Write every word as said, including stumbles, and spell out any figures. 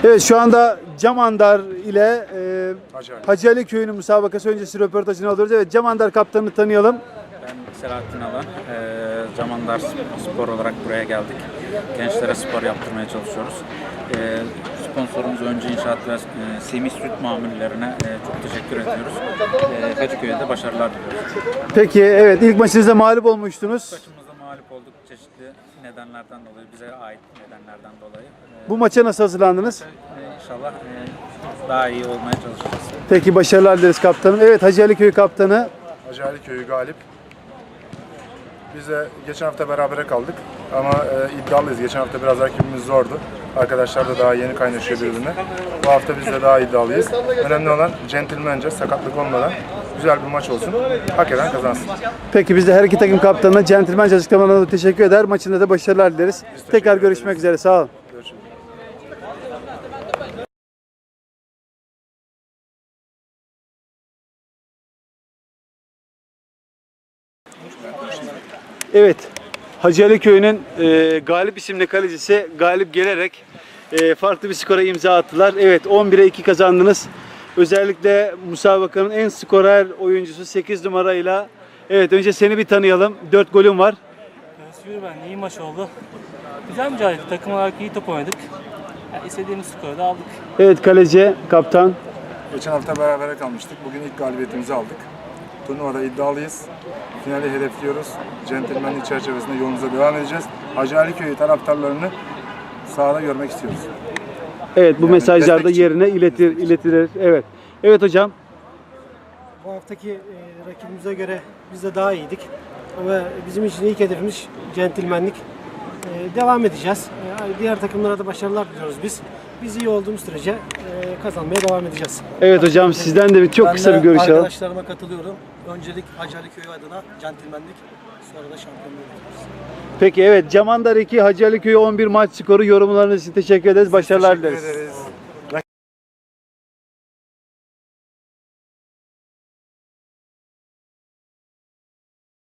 Evet, şu anda Camandar ile e, Hacı Ali. Hacı Ali Köyü'nün müsabakası öncesi röportajını alıyoruz. Evet, Camandar kaptanını tanıyalım. Ben Selahattin Alan, e, Camandar Spor olarak buraya geldik. Gençlere spor yaptırmaya çalışıyoruz. E, sponsorumuz Öncü İnşaat ve e, Semih Süt Mamullerine e, çok teşekkür ediyoruz. E, Hacıköy'e de başarılar diliyoruz. Peki, evet, ilk maçınızda mağlup olmuştunuz. Maçımızda mağlup olduk çeşitli nedenlerden dolayı, bize ait nedenlerden dolayı. E, Bu maça nasıl hazırlandınız? e, İnşallah e, daha iyi olmaya çalışacağız. Peki, başarılar dileriz kaptanım. Evet, Hacı Ali Köyü kaptanı. Hacı Ali Köyü galip. Biz de geçen hafta berabere kaldık ama e, iddialıyız. Geçen hafta biraz rakibimiz zordu. Arkadaşlar da daha yeni kaynaşıyor birbirine. Bu hafta biz de daha iddialıyız. Önemli olan centilmence, sakatlık olmadan güzel bir maç olsun. Hak eden kazansın. Peki, biz de her iki takım kaptanına centilmence açıklamalarına da teşekkür eder. Maçında da başarılar dileriz. Tekrar görüşmek üzere. Sağ olun. Görüşürüz. Evet, Hacı Ali Köyü'nün e, Galip isimli kalecisi galip gelerek e, farklı bir skora imza attılar. Evet, on bire iki kazandınız. Özellikle müsabakanın en skorer oyuncusu sekiz numarayla. Evet, önce seni bir tanıyalım. dört golün var. Özgür ben, iyi maç oldu. Güzel mücadele, takım olarak iyi top oynadık. Yani istediğimiz skoru da aldık. Evet, kaleci, kaptan. Geçen hafta berabere kalmıştık. Bugün ilk galibiyetimizi aldık. Turnuvada iddialıyız. Finali hedefliyoruz. Centilmenlik çerçevesinde yolumuza devam edeceğiz. Hacı Ali Köyü taraftarlarını sahada görmek istiyoruz. Evet, bu Yani mesajlar da destekçi. yerine iletir, iletilir. Evet. Evet hocam. Bu haftaki e, rakibimize göre biz de daha iyiydik. Ama bizim için ilk hedefimiz centilmenlik. E, devam edeceğiz. E, diğer takımlara da başarılar diliyoruz biz. Biz iyi olduğumuz sürece e, kazanmaya devam edeceğiz. Evet hocam, sizden de bir çok Ben kısa de bir görüş alalım. arkadaşlarıma katılıyorum. Öncelik Hacı Ali Köyü adına centilmenlik, sonra da şampiyonluğu diliyoruz. Peki, evet, Camandar iki, Hacı Ali Köyü on bir maç skoru. Yorumlarınız için teşekkür ederiz. Başarılar dileriz. Teşekkür ederiz.